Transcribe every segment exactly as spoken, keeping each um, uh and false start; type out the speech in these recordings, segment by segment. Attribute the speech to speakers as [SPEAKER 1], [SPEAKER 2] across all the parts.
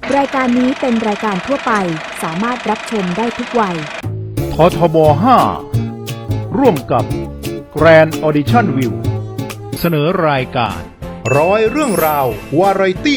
[SPEAKER 1] รายการนี้เป็นรายการทั่วไปสามารถรับชมได้ทุกวัย
[SPEAKER 2] ททบ ห้า ร่วมกับ Grand Audition View เสนอรายการ
[SPEAKER 3] ร้อยเรื่องราววาไรตี้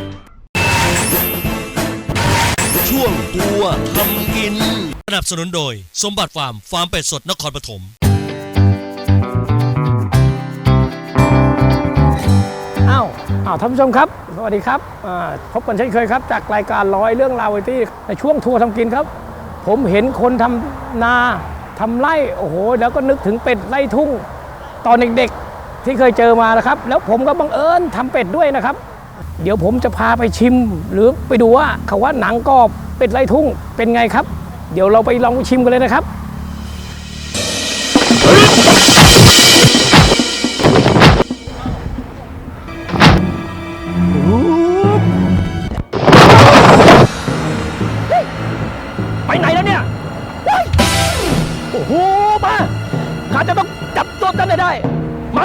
[SPEAKER 4] ช่วงตัวทำกินสนับสนุนโดยสมบัติฟาร์มฟาร์มเป็ดสดนครปฐม
[SPEAKER 5] อ้าวอ้าวท่านผู้ชมครับสวัสดีครับพบกันเช่นเคยครับจากรายการร้อยเรื่องราวที่ในช่วงทัวร์ทำกินครับผมเห็นคนทำนาทำไร่โอ้โหแล้วก็นึกถึงเป็ดไร่ทุ่งตอนเด็กๆที่เคยเจอมานะครับแล้วผมก็บังเอิญทำเป็ดด้วยนะครับเดี๋ยวผมจะพาไปชิมหรือไปดูว่าเขาว่าหนังกรอบเป็ดไร่ทุ่งเป็นไงครับเดี๋ยวเราไปลองชิมกันเลยนะครับไปไหนแล้วเนี่ยโอ้โหมาข้าจะต้องจับตัวกันได้มา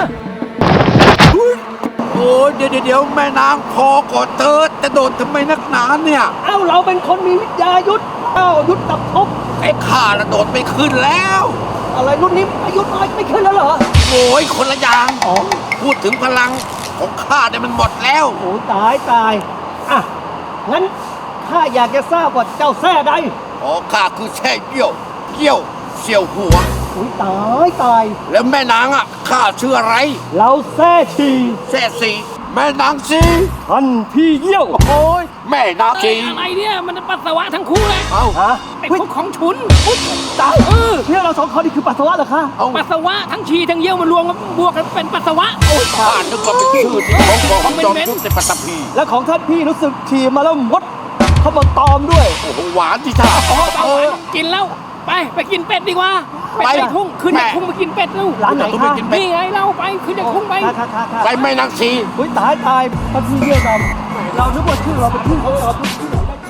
[SPEAKER 6] โอ้ยเดี๋ยวเดี๋ยวแม่นางพอก่อนเธอจะโดดทำไมนักหนาเนี่ย
[SPEAKER 5] เอ้าเราเป็นคนมีวิทยายุทธเอ้ายุทธตับทบ
[SPEAKER 6] ไอ้ข้าระโดดไม่ขึ้นแล้ว
[SPEAKER 5] อะไรรุ่นนี้อายุน้อยไม่ขึ้นแล้วเหรอ
[SPEAKER 6] โอ้ยคนละอย่างอ๋อพูดถึงพลังของข้าเนี่ยมันหมดแล้ว
[SPEAKER 5] โอ้ตายตายอ่ะงั้นข้าอยากจะทราบว่าเจ้าแท้ใด
[SPEAKER 6] อ๋อข้าคือแช่เกี้ยวเกี้ยวเสี่ยวหัว
[SPEAKER 5] โอ้ยตายตาย
[SPEAKER 6] แล้วแม่นางอ่ะข้าชื่ออะไร
[SPEAKER 5] เราแท้ชี
[SPEAKER 6] แช่สีแม่นางสี
[SPEAKER 5] ท่านพี่เยี่ยว
[SPEAKER 6] โอ้ยแม่นางสี
[SPEAKER 7] อะไรเนี่ยมันปัสสาวะทั้งคู่เลย
[SPEAKER 6] เอ้า
[SPEAKER 5] ฮะ
[SPEAKER 7] ไอ้พวกของฉุน
[SPEAKER 5] ตายเออเนี่ยเราสองคนนี่คือปัสสาวะเหรอคะ
[SPEAKER 7] ปัสสาวะทั้งฉี่ทั้งเยี่ยวมันรวมกันบวกกันเป็นปัสสาวะ
[SPEAKER 6] โอ้ยข้านึกว่าเป็นชื่อที่ของของจอมยุทธในปัตตภี
[SPEAKER 5] แล้วของท่านพี่รู้สึกฉี่มาแล้วมดเขามาตอมด้วย
[SPEAKER 6] โอ้โหหวานที่ท่า
[SPEAKER 7] เออกินแล้วไปไปกินเป็ดดีกว่าไปไปทุ่งขึ้นจากทุ่งไปกินเป็ดลูก
[SPEAKER 5] ร้านไหนคะ
[SPEAKER 7] นี่ไงเราไปขึ้นจากทุ่งไป
[SPEAKER 6] ไปแม่นางสี
[SPEAKER 5] อุ้ยตายตายท่านพี่เยี่ยมเรานึกว่าชื่อเราเป็นชื่อเขาเราเป็นชื่อ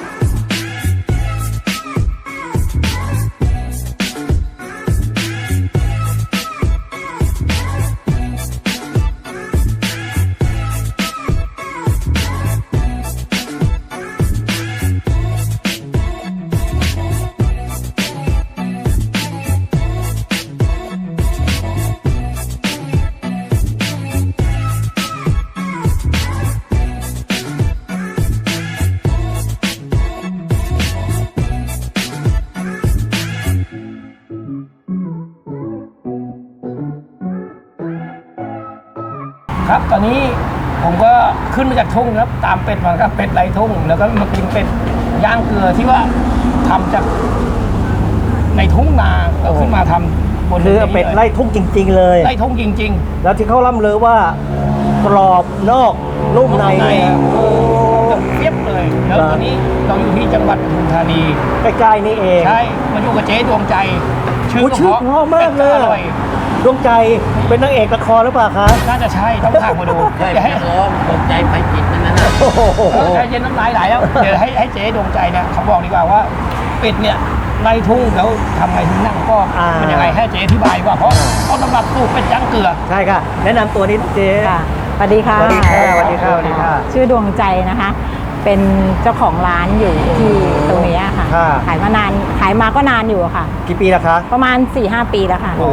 [SPEAKER 5] ครับตอนนี้ผมก็ขึ้นมาจากทุ่งครับตามเป็ดมาครับเป็ดไร่ทุ่งแล้วก็มากินเป็ดย่างเกลือที่ว่าทำจากในทุ่งนาเราขึ้นมาทำบนคือเป็ดไร่ทุ่งจริงๆเลย
[SPEAKER 7] ไร่ทุ่งจริง
[SPEAKER 5] ๆแล้วที่เขาล่ำลือว่ากรอบนอกนุ่มใน
[SPEAKER 7] จะเทียบเลยแล้วตอนนี้เราอยู่ที่จังหวัดปทุมธานี
[SPEAKER 5] ใกล้ๆนี่เอง
[SPEAKER 7] ใช่มาอยู่กับเจ๊ดวงใจ
[SPEAKER 5] ชื่อเพราะมากเลยดวงใจเป็นนางเอกละครหรือเปล่าคะ
[SPEAKER 7] น่าจะใช่ต้องถามมาดู
[SPEAKER 6] ใช่ให้ร้องดวงใจไปจิตนั่นนะ
[SPEAKER 7] ใจเย็นน้ำลายไหลแล้วเดี๋ยวให้ให้เจ๊ดวงใจเนี่ยเขาบอกดีกว่าว่าเป็ดเนี่ยไล่ทุ่งแล้วทำไงถึงนั่งก็เป็นยังไงให้เจ๊อธิบายว่าเพราะเขาตำรับสูตรเป็ดย่างเกลือ
[SPEAKER 5] ใช่ค่ะแนะนำตัวนี้เจ๊
[SPEAKER 8] สวัสดีค่ะ
[SPEAKER 5] สวัสดีค่ะสวัสดีค่ะสวัสดีค่ะ
[SPEAKER 8] ชื่อดวงใจนะคะเป็นเจ้าของร้านอยู่ที่ตรงนี้ค่ะขายมานานขายมาก็นานอยู่ค่ะ
[SPEAKER 5] กี่ปีแล้วคะ
[SPEAKER 8] ประมาณ สี่ห้า ปีแล้วค่ะ
[SPEAKER 5] โอ้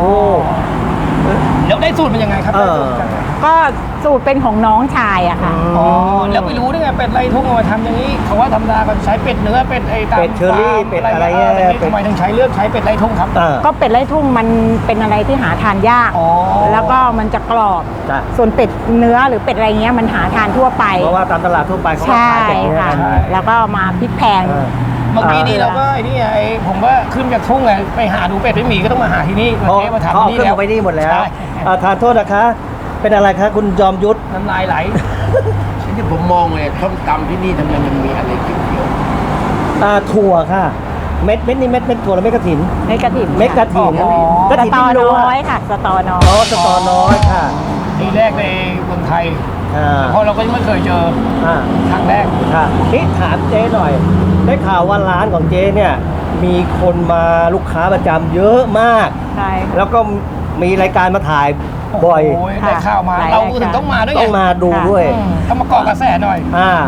[SPEAKER 7] แล้วได้สูตรเป็นยังไงครับ
[SPEAKER 8] ก็สูตรเป็นของน้องชายอะค่ะ
[SPEAKER 7] อ๋อแล้วไม่รู้ได้ไงเป็ดไร่ทุ่งมาทำอย่างนี้เขาว่าธรรมดาก็ใช้เป็ดเนื้อเป็ดไอ้ตาม
[SPEAKER 5] เป็ดเชอรี่เป็ดอะไร
[SPEAKER 7] ทำไมถึงใช้เลือกใช้เป็ดไร่ทุ่งครับ
[SPEAKER 8] ก็เป็ดไร่ทุ่งมันเป็นอะไรที่หาทานยากแล้วก็มันจะกรอบส่วนเป็ดเนื้อหรือเป็ดอะไรเงี้ยมันหาทานทั่วไป
[SPEAKER 5] เพราะว่าตามตลาดทั่วไปเขา
[SPEAKER 8] ขายเป็ดเนื้อแล้วก็มาพริกแพง
[SPEAKER 7] เมื่อกี้นี้เราก็ไอ้นี่ไอ้ผมว่าขึ้นจากทุ่งไงไปหาดูเป็ดไม่มีก็ต้องมาหาที่นี่มาเจ๊มาทำที่นี่แล้ว
[SPEAKER 5] ไปนี่หมดแล้วทานโทษนะคะเป็นอะไรคะคุณจอมยุทธ
[SPEAKER 7] น้ำลายไหล
[SPEAKER 6] ที่ผมมองเลยส้มตำที่นี่ทำไมมันมีอะไรเขียว
[SPEAKER 5] ๆอ่าถั่วค่ะเม็ดเม็ดนี่เม็ดเม็ดถั่วแล้วเม็ดกระถิน
[SPEAKER 8] เม็ดกระถิน
[SPEAKER 5] เม็ดกระถิน
[SPEAKER 8] กระถินน้อยค่ะสตอน้อย
[SPEAKER 5] อ๋อสตอน้อยค่ะ
[SPEAKER 7] ทีแรกในเมืองไทยเพราะเราก็ยังไม่เคยเจอครั้งแรก
[SPEAKER 5] ค่ะนี่ถามเจ๊หน่อยได้ข่าวว่าร้านของเจ๊เนี่ยมีคนมาลูกค้าประจำเยอะมาก
[SPEAKER 8] ใช่
[SPEAKER 5] แล้วก็มีรายการมาถ่ายบ่อย
[SPEAKER 7] ได้ข่าวมาเราถึงต้องมาด้วย
[SPEAKER 5] ต้องมาดูด้วย
[SPEAKER 7] ต้องมาเกาะกระแสหน่อย
[SPEAKER 5] อ่า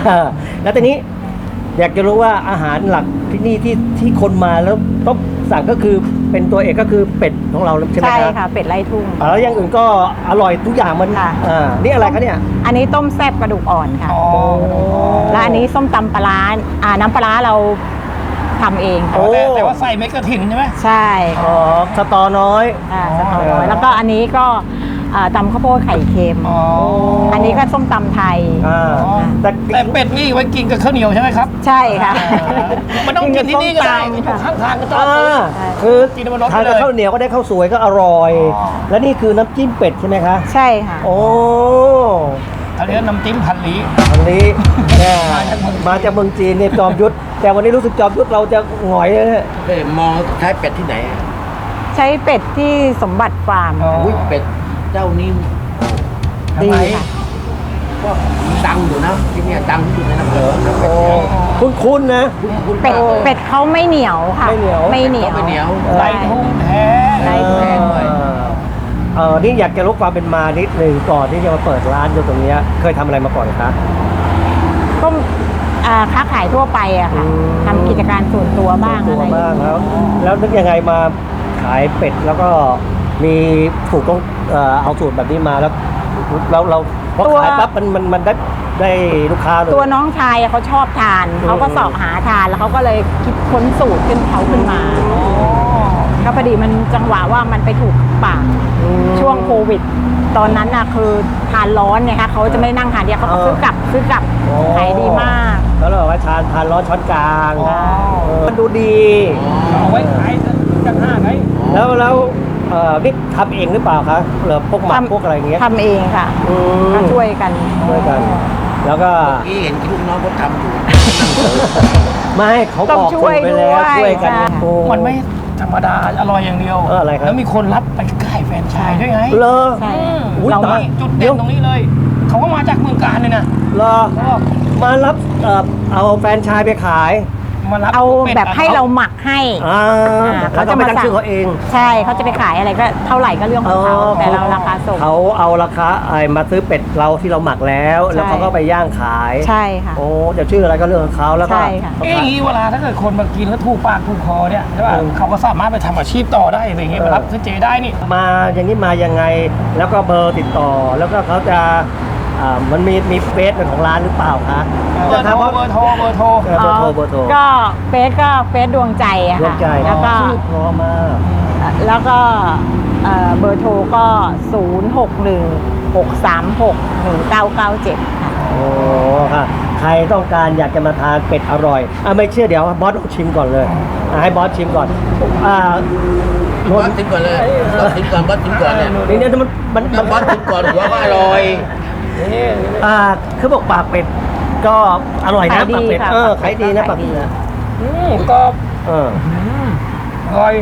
[SPEAKER 9] แล้วตอนนี้อยากจะรู้ว่าอาหารหลักที่นี่ที่ที่คนมาแล้วต้องสั่งก็คือเป็นตัวเอกก็คือเป็ดของเราใช่ไหม
[SPEAKER 8] ใช่
[SPEAKER 9] ครับ
[SPEAKER 8] ค่ะ เป็ดไล่ทุ่ง
[SPEAKER 9] อ่าแล้วอย่างอื่นก็อร่อยทุกอย่างมัน
[SPEAKER 8] ค่ะ
[SPEAKER 9] อ่านี่อะไรคะเนี่ย
[SPEAKER 8] อันนี้ต้มแซ่บกระดูกอ่อนค่ะ
[SPEAKER 7] อ๋อ
[SPEAKER 8] และอันนี้ส้มตำปลาร้าอ่าน้ำปลาร้าเราทำเอง
[SPEAKER 9] โอ้
[SPEAKER 7] แต่แต่ว่าใส่เม็ดกระถิ่นใช่ไหม
[SPEAKER 8] ใช่
[SPEAKER 9] อ๋อสตอน้อย
[SPEAKER 8] อ่าสตอน้อยแล้วก็อันนี้ก็อ่าตำข้าวโพดไข่เค็ม
[SPEAKER 7] อ๋อ
[SPEAKER 8] อันนี้ก็ส้มตำไทย
[SPEAKER 9] อ่าแต่
[SPEAKER 7] แต่เป็ดนี่ไว้กินกับข้าวเหนียวใช่ไหมครับ
[SPEAKER 8] ใช่ค่ะ
[SPEAKER 7] มันต้องกินที่นี่ก็ได้
[SPEAKER 8] กินกับส้มตำ
[SPEAKER 7] ข้างทางก็ต้อง
[SPEAKER 9] อ่า
[SPEAKER 8] ใช่
[SPEAKER 9] คือ
[SPEAKER 7] กินบนรถ
[SPEAKER 9] ทานกับ
[SPEAKER 7] เลย
[SPEAKER 9] ข้าวเหนียวก็ได้ข้าวสวยก็อร่อย
[SPEAKER 7] อ๋อ
[SPEAKER 9] และนี่คือน้ำจิ้มเป็ดใช่ไหมคะ
[SPEAKER 8] ใช่ค่ะ
[SPEAKER 9] โอ้
[SPEAKER 7] อันนี้น้ำจิ้มพันลี้
[SPEAKER 9] อันนี้เนี่ย
[SPEAKER 7] มาจากเมืองจีน
[SPEAKER 9] มาจากเมืองจีนเนี่ยจอมยุทธแต่วันนี้รู้สึกจอมยุทธเราจะหงอยเลยเนี่ย
[SPEAKER 6] เอ้ยมองใช้เป็ดที่ไหนอะ
[SPEAKER 8] ใช้เป็ดที่สมบัติฟาร์ม
[SPEAKER 6] อุ้ยเป็ดเจ้านี้
[SPEAKER 8] ดีค่ะ
[SPEAKER 6] ก็ดังอยู่นะที่เนี่ยดังที่สุดในอำเภอนะเป็ด
[SPEAKER 9] โอ้
[SPEAKER 6] เนี่ย
[SPEAKER 9] คุ้นๆนะ
[SPEAKER 6] คุณ
[SPEAKER 8] เป็ดเป็ดเขาไม่เหนียวค่ะ
[SPEAKER 9] ไม่เหนียว
[SPEAKER 8] ไม่เหนียว
[SPEAKER 6] ไม่เหนียว
[SPEAKER 7] ไล่ทุ่งแท้
[SPEAKER 8] ไล่ทุ่ง
[SPEAKER 9] เออเออนี่อยากจะรู้ความเป็นมานิดหนึ่งก่อนที่จะมาเปิดร้านอยู่ตรงเนี้ยเคยทำอะไรมาก่อนคะ
[SPEAKER 8] ก็อ่าค้าขายทั่วไปอะค่ะ
[SPEAKER 9] อืม
[SPEAKER 8] ทำกิจการส่วนตัวบ้าง
[SPEAKER 9] ตั
[SPEAKER 8] อะ
[SPEAKER 9] ว
[SPEAKER 8] ไร
[SPEAKER 9] บ้างแล้ว แล้วนึกยังไงมาขายเป็ดแล้วก็มีสูตรต้องเอ่อเอาสูตรแบบนี้มาแล้วเราเราพอขายปั๊บมันมันมันได้ได้ลูกค้าเลย
[SPEAKER 8] ตัวน้องชายอะเขาชอบทาน เขาก็
[SPEAKER 9] อืม
[SPEAKER 8] เสอบหาทานแล้วเขาก็เลยคิดค้นสูตรขึ้นเขาขึ้นมาก็พอดีมันจังหวะว่ามันไปถูกปาก
[SPEAKER 9] อืม
[SPEAKER 8] ช่วงโควิด ตอนนั้นน่ะคือทานร้อนเนี่ยค่ะเขาจะไม่นั่งทานเดียวเขาก็
[SPEAKER 9] เออ
[SPEAKER 8] ซื้อกลับซื้อกลับ
[SPEAKER 9] โอ้
[SPEAKER 8] ขายดีมาก
[SPEAKER 9] แล้วเราบอกว่าทานทานร้อนช้อนกลาง
[SPEAKER 7] อ๋อ
[SPEAKER 9] เออมันดูดี
[SPEAKER 7] เอาไว้ขายจังห้าไง
[SPEAKER 9] แล้วแล้วเอ่อนี่ทำเองหรือเปล่าคะหรือพวกหมัก
[SPEAKER 8] ทำ
[SPEAKER 9] พวกอะไรอย่างเงี้ย
[SPEAKER 8] ทำเองค่ะ
[SPEAKER 9] อืม
[SPEAKER 8] ก็ช่วยกัน
[SPEAKER 9] ช่วยกัน แล้วก็
[SPEAKER 6] ที่เห็นลูกน้องเขาทำอยู่
[SPEAKER 9] ไม่เขา
[SPEAKER 8] ต้
[SPEAKER 9] บ
[SPEAKER 8] อง
[SPEAKER 9] อก
[SPEAKER 8] ช่วย
[SPEAKER 9] คนไปแล้ว
[SPEAKER 8] ด้วย
[SPEAKER 9] ช่วยกัน
[SPEAKER 8] ใช่
[SPEAKER 9] โอ้
[SPEAKER 7] มันไม่ธรรมดาอร่อยอย่างเดียว
[SPEAKER 9] เอออะไรครับ
[SPEAKER 7] แล้วมีคนรับไปขายแฟรนไชส์ด้วยไง
[SPEAKER 9] เลอ
[SPEAKER 8] ใช่
[SPEAKER 9] อุ๊ย
[SPEAKER 8] เรา
[SPEAKER 9] ตาย
[SPEAKER 7] จุดเด่นตรงนี้เลย เขาก็มาจากเมืองการเลยนะ
[SPEAKER 9] เลอ
[SPEAKER 7] เขาบอก
[SPEAKER 9] มารับเอ่อเอาแฟรนไชายไปขาย
[SPEAKER 7] มารับ
[SPEAKER 8] เอา
[SPEAKER 7] เป็ด
[SPEAKER 8] แบบให้เราหมักให้
[SPEAKER 9] อ่า
[SPEAKER 8] อ่า
[SPEAKER 9] เขาจะมาตั้งชื่อเขาเอง
[SPEAKER 8] ใช่เขาจะไปขายอะไรก็เท่าไหร่ก็เรื่องของเขาแต่เราราคาส่ง
[SPEAKER 9] เขาเอาราคาไอ้มาซื้อเป็ดเราที่เราหมักแล้ว แล้ว
[SPEAKER 8] ใช่
[SPEAKER 9] เขาก็ไปย่างขาย
[SPEAKER 8] ใช่ค่ะ
[SPEAKER 9] โอ้จะชื่ออะไรก็เรื่องของเขาแล้วก็
[SPEAKER 8] ใช่ค่ะ
[SPEAKER 7] เอ้ยอย่างนี้เวลาถ้าเกิดคนมากินแล้วถูกปากถูกคอเนี่ยใช่ป่ะ
[SPEAKER 9] อืม
[SPEAKER 7] เขาก็สามารถไปทำอาชีพต่อได้อะไรอย่างเงี้ย
[SPEAKER 9] เออ
[SPEAKER 7] มารับซื้อเจได้นี่
[SPEAKER 9] มาอย่างนี้มายังไง แล้วก็เบอร์ติดต่อ แล้วก็เขาจะอ่ามันมีมีเฟซของร้านหรือเปล่าคะ
[SPEAKER 7] เบอร์โทรเบอร์โทรเบอร์โทร
[SPEAKER 9] เออเบอร์โทรเบอร์โทร
[SPEAKER 8] ก็เฟซก็เฟซดวงใจอะ
[SPEAKER 9] ดวง
[SPEAKER 8] ค่ะ
[SPEAKER 9] ใจ
[SPEAKER 8] แล้วก็
[SPEAKER 9] ชื่อเพราะมาก
[SPEAKER 8] แล้วก็เอ่อเบอร์โทรก็ศูนย์หกหนึ่งหกสามหกหนึ่งเก้าเก้าเจ็ดค่ะ
[SPEAKER 9] โอ้ค่ะใครต้องการอยากจะมาทานเป็ดอร่อยอ่ะไม่เชื่อเดี๋ยวบอสลองชิมก่อนเลยอ่ะให้บอสชิมก่อนอ่า
[SPEAKER 6] บอสทิ้งก่อนเลยบอสทิ้งก่อนบอสทิ้งก่อนเนี่ย
[SPEAKER 9] นี่เนี่ยมันมันมัน
[SPEAKER 6] บอสทิ้งก่อนหัวก็อร่อย
[SPEAKER 9] อ่าคือบอกปากเป็ดก็อร่อยนะ
[SPEAKER 8] ขายดี
[SPEAKER 9] ปากเป็ด
[SPEAKER 8] ค่ะ
[SPEAKER 9] เออ
[SPEAKER 8] ปากเป็
[SPEAKER 9] ขาย
[SPEAKER 8] ด
[SPEAKER 9] ดีนะ
[SPEAKER 8] ขาย
[SPEAKER 9] ปาก
[SPEAKER 8] ดี
[SPEAKER 9] เป็ดนะ
[SPEAKER 7] อืมก็
[SPEAKER 9] เออ
[SPEAKER 7] อร่อย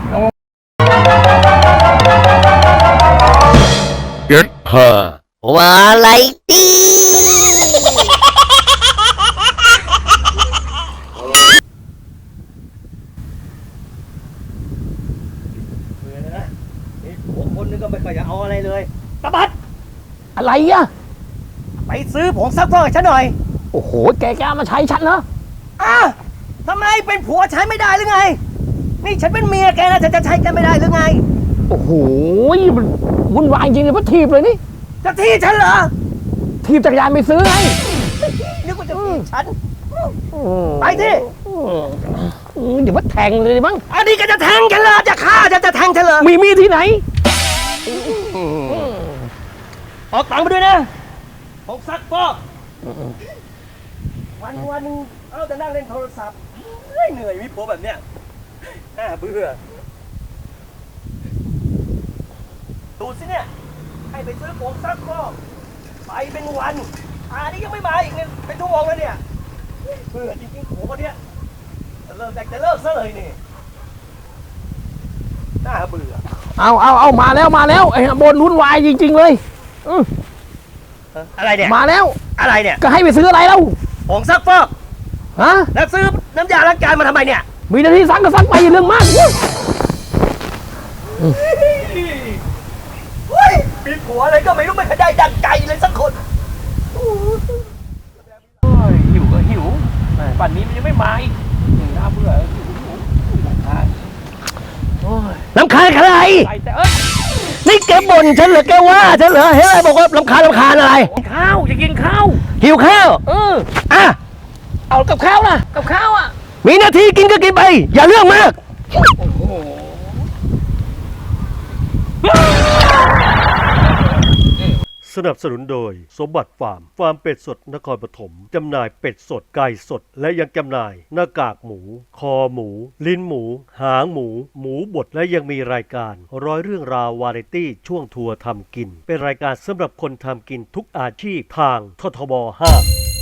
[SPEAKER 4] Get her วาไรตี้
[SPEAKER 9] หัวคนนึงก็ไม่ค่อยจะเอาอะไรเลยตะบัด
[SPEAKER 7] อะไรอ่ะ
[SPEAKER 9] ไปซื้อผงซักฟอกให้ฉันหน่อย
[SPEAKER 7] โอ้โห แกกล้ามาใช้ฉันเหรอ
[SPEAKER 9] อ่ะทำไมเป็นผัวใช้ไม่ได้หรือไง นี่ฉันเป็นเมียแกนะฉันจะใช้แกไม่ได้หรือไง
[SPEAKER 7] โอ้โหมันวุ่นวายจริงเลยเพราะถีบเลยนี่
[SPEAKER 9] จะที่ฉันเหรอ
[SPEAKER 7] ถีบจักรยานไปซื้อไง
[SPEAKER 9] นึกว่าจะที่ฉัน ไปที่
[SPEAKER 7] อืมเดี๋ยวว่าแทงเลยมั้ง
[SPEAKER 9] อันนี้ก็จะแทงฉันเหรอจะฆ่าฉันจะแทงฉันเหรอ
[SPEAKER 7] มีมีดที่ไหน
[SPEAKER 9] ออกตังค์ไปด้วยนะผงซักฟอกวันวันหนึงเอาแต่นั่งเล่นโทรศัพท์เฮ้ยเหนื่อยมีผัวแบบเนี้ยน่าเบื่อดูสิเนี่ย ให้ไปซื้อผงซักฟอกไปเป็นวันอันนี้ยังไม่มาอีกเนี่ยเป็นชั่วโมงแล้วเนี่ยเบื่อจริงๆผัวคนเนี้ยจะเลิกแต่จะเลิกซะเลยนี่น่าเบื่อ
[SPEAKER 7] เอาเอาเอามาแล้วมาแล้วไอ้บนวุ่นวายจริง ๆ เลยอืม
[SPEAKER 9] อะไรเนี่ย
[SPEAKER 7] มาแล้ว
[SPEAKER 9] อะไรเนี่ย
[SPEAKER 7] ก็ให้ไปซื้ออะไรแล้ว
[SPEAKER 9] ผงซักฟอก
[SPEAKER 7] ฮะ
[SPEAKER 9] แล้วซื้อน้ำยาล้างจานมาทำไมเนี่ย
[SPEAKER 7] มีหน้าที่ซักก็ซักไปอย่าเรื่องมากอุ๊ย
[SPEAKER 9] เฮ้ยมีผัวอะไรก็ไม่รู้ไม่เคยได้ดังใจเลยสักคนโอ้ย
[SPEAKER 7] ป่านนี้มันยังไม่มาอีกน่าเบื่อลำคาญโอ้ย
[SPEAKER 9] ลำคาญใคร
[SPEAKER 7] ไปแต่เอ้ย
[SPEAKER 9] นี่แกบ่นฉันเหรอแกว่าฉันเหรอเฮ้ยบอกว่าลำคาญลำคาญอะไร
[SPEAKER 7] กินข้าวจะกินข้าว
[SPEAKER 9] หิวข้าว
[SPEAKER 7] เออ
[SPEAKER 9] อ่ะ
[SPEAKER 7] เอากับข้าวล่ะกับข้าวอ่ะ
[SPEAKER 9] มีหน้าที่กินก็กินไป อย่าเรื่องมาก
[SPEAKER 7] โอ้โห
[SPEAKER 4] สนับสนุนโดยสมบัติฟาร์ม ฟาร์มเป็ดสดนครปฐมจำหน่ายเป็ดสดไก่สดและยังจำหน่ายหน้ากากหมู คอหมู ลิ้นหมู หางหมู หมูบดและยังมีรายการร้อยเรื่องราววาไรตี้ช่วงทัวร์ทำกิน เป็นรายการสำหรับคนทำกินทุกอาชีพทางททบห้า